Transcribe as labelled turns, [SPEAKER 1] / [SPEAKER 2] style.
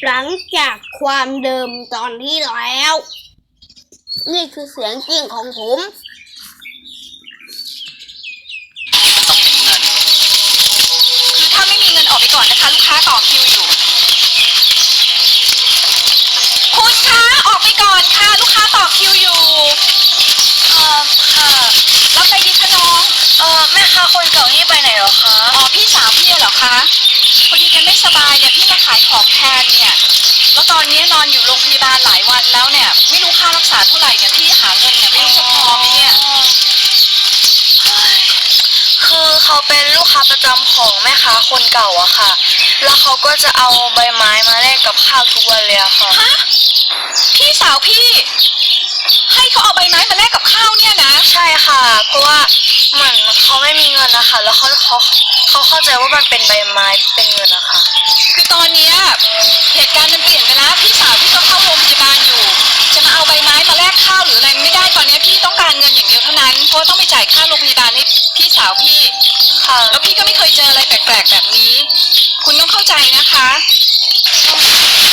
[SPEAKER 1] หลังจากความเดิมตอนที่แล้ว นี่คือเสียงจริงของผม
[SPEAKER 2] ต้องเป็นเงินคือถ้าไม่มีเงินออกไปก่อนนะคะลูกค้าต่อคิวอยู่คุณคะออกไปก่อนค่ะลูกค้าต่อคิวอยู่ค่ะรับอะไรดีคะน้องแม่ค้าคนเก่านี่ไปไหนหรอคะอ๋อพี่สาวพี่เหรอคะพอดีแกไม่สบายเนี่ยพี่มาขายของแทนเนี่ยแล้วตอนนี้นอนอยู่โรงพยาบาลหลายวันแล้วเนี่ยไม่รู้ค่ารักษาเท่าไหร่เนี่ยพี่หาเงินเนี่ยไม่รู้จะพอไหมเนี่ย
[SPEAKER 3] คือเขาเป็นลูกค้าประจำของแม่ค้าคนเก่าอะค่ะแล้วเขาก็จะเอาใบไม้มาแลกกับข้าวทุกวันเลยอะค่ะ
[SPEAKER 2] ฮะพี่สาวพี่ให้เขาเอาใบไม้มาแลกกับข้าวเนี่ยนะ
[SPEAKER 3] ใช่ค่ะเพราะว่าเหมือนเขาไม่มีเงินนะคะแล้วเขาเข้าใจว่ามันเป็นใบไม้เป็นเงินนะคะ
[SPEAKER 2] คือตอนนี้เหตุการณ์มันเปลี่ยนไปแล้วพี่สาวพี่ก็เข้าโรงพยาบาลอยู่จะมาเอาใบไม้มาแลกข้าวหรืออะไรไม่ได้ตอนนี้พี่ต้องการเงินอย่างเดียวเท่านั้นเพราะต้องไปจ่ายค่าโรงพยาบาลให้พี่สาวพี่
[SPEAKER 3] ค่ะ
[SPEAKER 2] แล้วพี่ก็ไม่เคยเจออะไรแปลกๆแบบนี้คุณต้องเข้าใจนะคะ